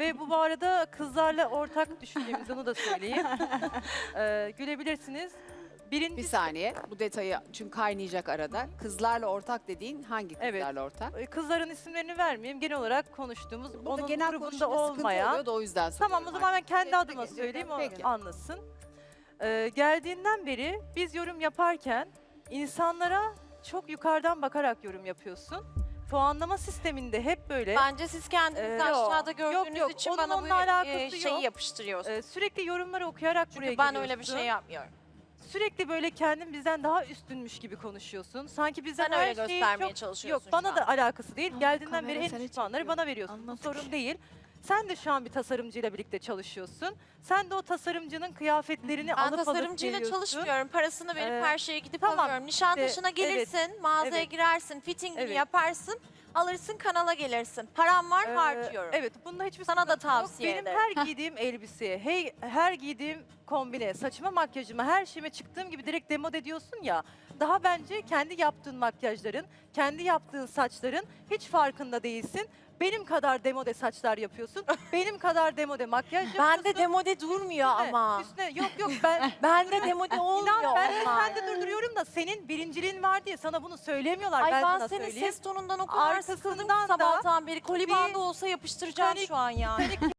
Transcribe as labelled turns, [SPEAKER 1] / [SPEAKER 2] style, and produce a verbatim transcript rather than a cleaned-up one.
[SPEAKER 1] Ve bu bu arada kızlarla ortak düşündüğümüz onu da söyleyeyim. Ee, gülebilirsiniz.
[SPEAKER 2] Bir
[SPEAKER 1] Birincisi,
[SPEAKER 2] saniye bu detayı çünkü kaynayacak arada. Kızlarla ortak dediğin hangi
[SPEAKER 1] Evet.
[SPEAKER 2] kızlarla ortak?
[SPEAKER 1] e, kızların isimlerini vermeyeyim. Genel olarak konuştuğumuz,
[SPEAKER 2] Burada
[SPEAKER 1] onun
[SPEAKER 2] genel
[SPEAKER 1] grubunda
[SPEAKER 2] konuşmada sıkıntı
[SPEAKER 1] olmayan.
[SPEAKER 2] oluyor da o yüzden
[SPEAKER 1] Tamam, o
[SPEAKER 2] soruyorum
[SPEAKER 1] zaman ben
[SPEAKER 2] artık.
[SPEAKER 1] kendi
[SPEAKER 2] Peki,
[SPEAKER 1] adıma
[SPEAKER 2] peki.
[SPEAKER 1] söyleyeyim, o
[SPEAKER 2] Peki.
[SPEAKER 1] anlasın. Ee, geldiğinden beri biz yorum yaparken insanlara çok yukarıdan bakarak yorum yapıyorsun. Puanlama sisteminde hep böyle
[SPEAKER 3] Bence siz kendinizi
[SPEAKER 1] Ee,
[SPEAKER 3] aşağıda
[SPEAKER 1] yok,
[SPEAKER 3] gördüğünüz
[SPEAKER 1] yok.
[SPEAKER 3] için
[SPEAKER 1] Onun
[SPEAKER 3] bana bu
[SPEAKER 1] onunla alakası
[SPEAKER 3] e, şeyi
[SPEAKER 1] yok.
[SPEAKER 3] yapıştırıyorsunuz.
[SPEAKER 1] e, sürekli yorumları okuyarak buraya
[SPEAKER 3] Çünkü ben
[SPEAKER 1] geliyorsun.
[SPEAKER 3] öyle bir şey yapmıyorum.
[SPEAKER 1] Sürekli böyle kendin bizden daha üstünmüş gibi konuşuyorsun. Sanki bizden
[SPEAKER 3] Sen
[SPEAKER 1] her
[SPEAKER 3] öyle
[SPEAKER 1] şeyi
[SPEAKER 3] göstermeye
[SPEAKER 1] çok...
[SPEAKER 3] çalışıyorsun
[SPEAKER 1] Yok, bana
[SPEAKER 3] şu
[SPEAKER 1] da
[SPEAKER 3] an.
[SPEAKER 1] alakası değil.
[SPEAKER 2] Ama
[SPEAKER 1] Geldiğinden beri
[SPEAKER 2] kamera
[SPEAKER 1] en
[SPEAKER 2] seni
[SPEAKER 1] düşük puanları
[SPEAKER 2] çekiyor.
[SPEAKER 1] bana veriyorsun. Bu
[SPEAKER 2] Anladık.
[SPEAKER 1] sorun değil. Sen de şu an bir tasarımcıyla birlikte çalışıyorsun. Sen de o tasarımcının kıyafetlerini
[SPEAKER 3] Ben
[SPEAKER 1] alıp alıp
[SPEAKER 3] tasarımcıyla
[SPEAKER 1] geliyorsun.
[SPEAKER 3] çalışmıyorum. Parasını verip
[SPEAKER 1] Ee,
[SPEAKER 3] her şeye gidip
[SPEAKER 1] tamam,
[SPEAKER 3] alıyorum. Nişantaşı'na
[SPEAKER 1] işte,
[SPEAKER 3] gelirsin, mağazaya
[SPEAKER 1] evet.
[SPEAKER 3] girersin, fittingini
[SPEAKER 1] Evet.
[SPEAKER 3] yaparsın, alırsın, kanala gelirsin. Param var,
[SPEAKER 1] Ee,
[SPEAKER 3] harcıyorum.
[SPEAKER 1] Evet, bunda hiçbir
[SPEAKER 3] Sana da
[SPEAKER 1] sıkıntı yok.
[SPEAKER 3] tavsiye
[SPEAKER 1] Benim
[SPEAKER 3] ederim.
[SPEAKER 1] her giydiğim elbiseye, hey, her giydiğim kombine, saçıma, makyajıma, her şeyime çıktığım gibi direkt demode ediyorsun ya. Daha bence kendi yaptığın makyajların, kendi yaptığın saçların hiç farkında değilsin. Benim kadar demode saçlar yapıyorsun. Benim kadar demode makyaj yapıyorsun.
[SPEAKER 3] Ben de demode durmuyor
[SPEAKER 1] Üstüne-
[SPEAKER 3] ama.
[SPEAKER 1] Üstüne, yok yok ben...
[SPEAKER 3] Ben de demode olmuyor
[SPEAKER 1] İnan ben de
[SPEAKER 3] onlar.
[SPEAKER 1] sende durduruyorum da senin birinciliğin var diye sana bunu söylemiyorlar.
[SPEAKER 3] Ay
[SPEAKER 1] ben,
[SPEAKER 3] ben,
[SPEAKER 1] sana
[SPEAKER 3] senin
[SPEAKER 1] söyleyeyim.
[SPEAKER 3] ses tonundan o kadar
[SPEAKER 1] Arkasından
[SPEAKER 3] sıkıldım ki
[SPEAKER 1] da
[SPEAKER 3] sabahtan beri. Koli
[SPEAKER 1] bir
[SPEAKER 3] bandı olsa yapıştıracağım
[SPEAKER 1] Titanic-
[SPEAKER 3] şu an yani.
[SPEAKER 1] Titanic